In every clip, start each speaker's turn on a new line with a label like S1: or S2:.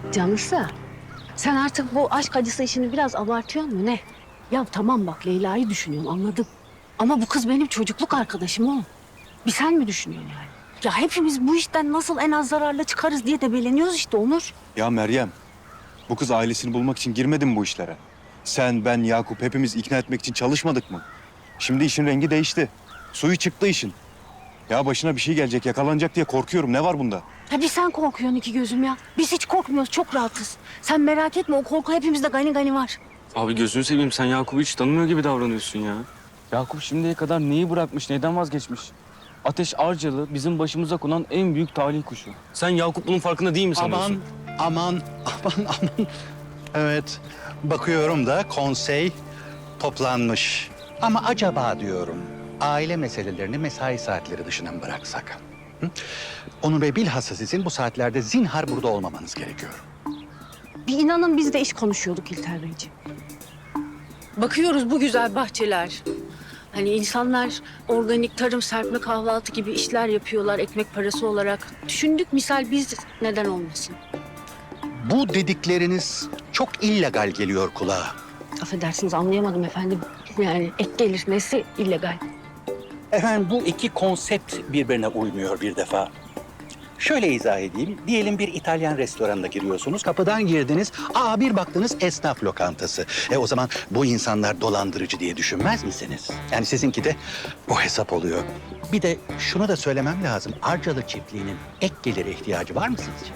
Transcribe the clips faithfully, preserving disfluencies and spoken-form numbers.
S1: Canısı, sen artık bu aşk acısı işini biraz abartıyor mu ne? Ya tamam bak Leyla'yı düşünüyorum anladım. Ama bu kız benim çocukluk arkadaşım o. Bir sen mi düşünüyorsun yani? Ya hepimiz bu işten nasıl en az zararla çıkarız diye debeleniyoruz işte Onur.
S2: Ya Meryem, bu kız ailesini bulmak için girmedi mi bu işlere? Sen, ben, Yakup hepimiz ikna etmek için çalışmadık mı? Şimdi işin rengi değişti. Suyu çıktı işin. Ya başına bir şey gelecek, yakalanacak diye korkuyorum. Ne var bunda?
S1: Ya bir sen korkuyorsun iki gözüm ya. Biz hiç korkmuyoruz, çok rahatız. Sen merak etme, o korku hepimizde gani gani var.
S3: Abi gözünü seveyim, sen Yakup'u hiç tanımıyor gibi davranıyorsun ya. Yakup şimdiye kadar neyi bırakmış, neden vazgeçmiş? Ateş Arcalı bizim başımıza konan en büyük talih kuşu. Sen Yakup bunun farkında değil mi sanıyorsun?
S4: Aman, aman, aman, aman. Evet, bakıyorum da konsey toplanmış. Ama acaba diyorum, aile meselelerini mesai saatleri dışına mı bıraksak? Hı? Onur Bey, bilhassa sizin bu saatlerde zinhar burada olmamanız gerekiyor.
S1: Bir inanın biz de iş konuşuyorduk İlter Beyciğim. Bakıyoruz bu güzel bahçeler. Hani insanlar organik tarım, serpme kahvaltı gibi işler yapıyorlar ekmek parası olarak. Düşündük misal biz neden olmasın?
S4: Bu dedikleriniz çok illegal geliyor kulağa.
S1: Affedersiniz anlayamadım efendim. Yani ek gelir nesi illegal.
S4: Efendim, bu iki konsept birbirine uymuyor bir defa. Şöyle izah edeyim. Diyelim bir İtalyan restoranına giriyorsunuz. Kapıdan girdiniz. Aa, bir baktınız esnaf lokantası. E o zaman bu insanlar dolandırıcı diye düşünmez misiniz? Yani sizinki de bu hesap oluyor. Bir de şunu da söylemem lazım. Arcalı çiftliğinin ek gelire ihtiyacı var mı sizce?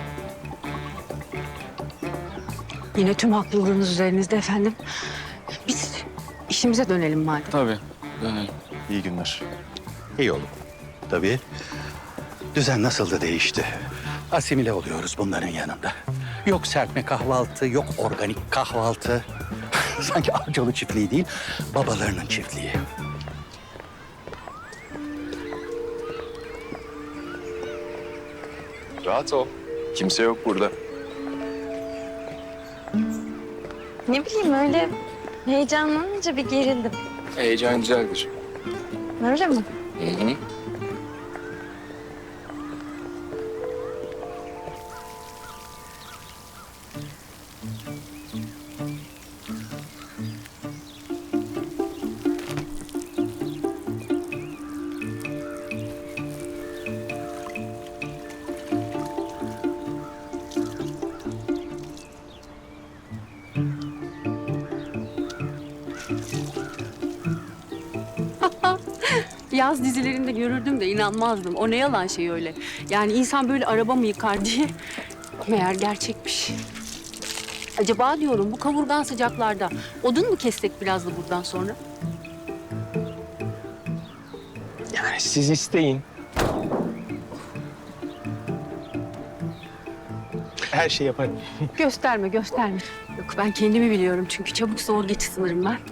S1: Yine tüm haklılığınız üzerinizde efendim. Biz işimize dönelim madem.
S3: Tabii, dönelim.
S2: İyi günler.
S4: İyi olur. Tabii. Düzen nasıl da değişti. Asimile oluyoruz bunların yanında. Yok serpme kahvaltı, yok organik kahvaltı. Sanki Arcalı çiftliği değil, babalarının çiftliği.
S5: Rahat ol. Kimse yok burada.
S6: Ne bileyim öyle heyecanlanınca bir gerildim.
S5: Heyecan güzeldir.
S6: Öyle mi?
S5: Hı hı.
S1: Yaz dizilerinde görürdüm de inanmazdım. O ne yalan şey öyle. Yani insan böyle araba mı yıkar diye meğer gerçekmiş. Acaba diyorum bu kavurgan sıcaklarda odun mu kessek biraz da buradan sonra?
S7: Yani siz isteyin. Her şey yaparım.
S1: Gösterme, gösterme. Yok ben kendimi biliyorum çünkü çabuk zor geçi sınırım ben.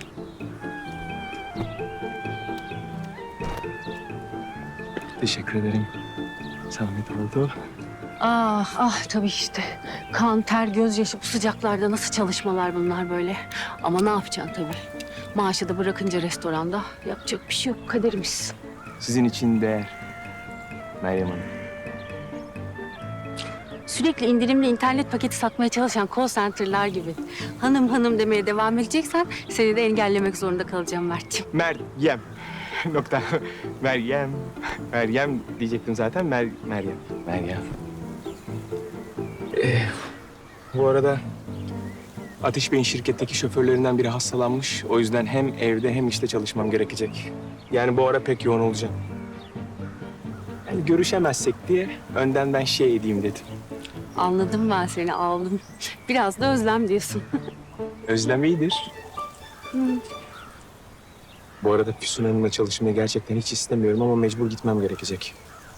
S7: Teşekkür ederim. Zahmet oldu.
S1: Ah ah tabii işte. Kan, ter, gözyaşı bu sıcaklarda nasıl çalışmalar bunlar böyle. Ama ne yapacaksın tabii. Maaşı da bırakınca restoranda yapacak bir şey yok kaderimiz.
S7: Sizin için değer. Meryem Hanım.
S1: Sürekli indirimli internet paketi satmaya çalışan call center'lar gibi. Hanım hanım demeye devam edeceksen seni de engellemek zorunda kalacağım Mert'ciğim.
S7: Meryem. Nokta. Meryem. Meryem diyecektim zaten. Mer Meryem. Meryem. Ee, bu arada Ateş Bey'in şirketteki şoförlerinden biri hastalanmış. O yüzden hem evde hem işte çalışmam gerekecek. Yani bu ara pek yoğun olacağım. Yani görüşemezsek diye önden ben şey edeyim dedim.
S1: Anladım ben seni aldım. Biraz da özlem diyorsun.
S7: Özlem iyidir. Bu arada Füsun Hanım'la çalışmayı gerçekten hiç istemiyorum ama mecbur gitmem gerekecek.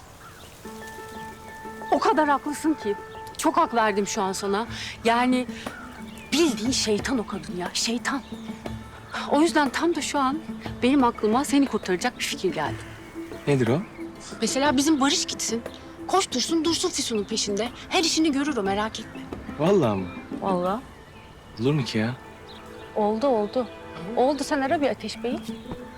S1: O kadar haklısın ki. Çok hak verdim şu an sana. Yani bildiğin şeytan o kadın ya, şeytan. O yüzden tam da şu an benim aklıma seni kurtaracak bir fikir geldi.
S7: Nedir o?
S1: Mesela bizim Barış gitsin. Koştursun dursun Füsun'un peşinde. Her işini görür o merak etme.
S7: Vallahi mı?
S1: Vallahi.
S7: Olur mu ki ya?
S1: Oldu oldu. Oldu sen ara bir Ateş Bey'i.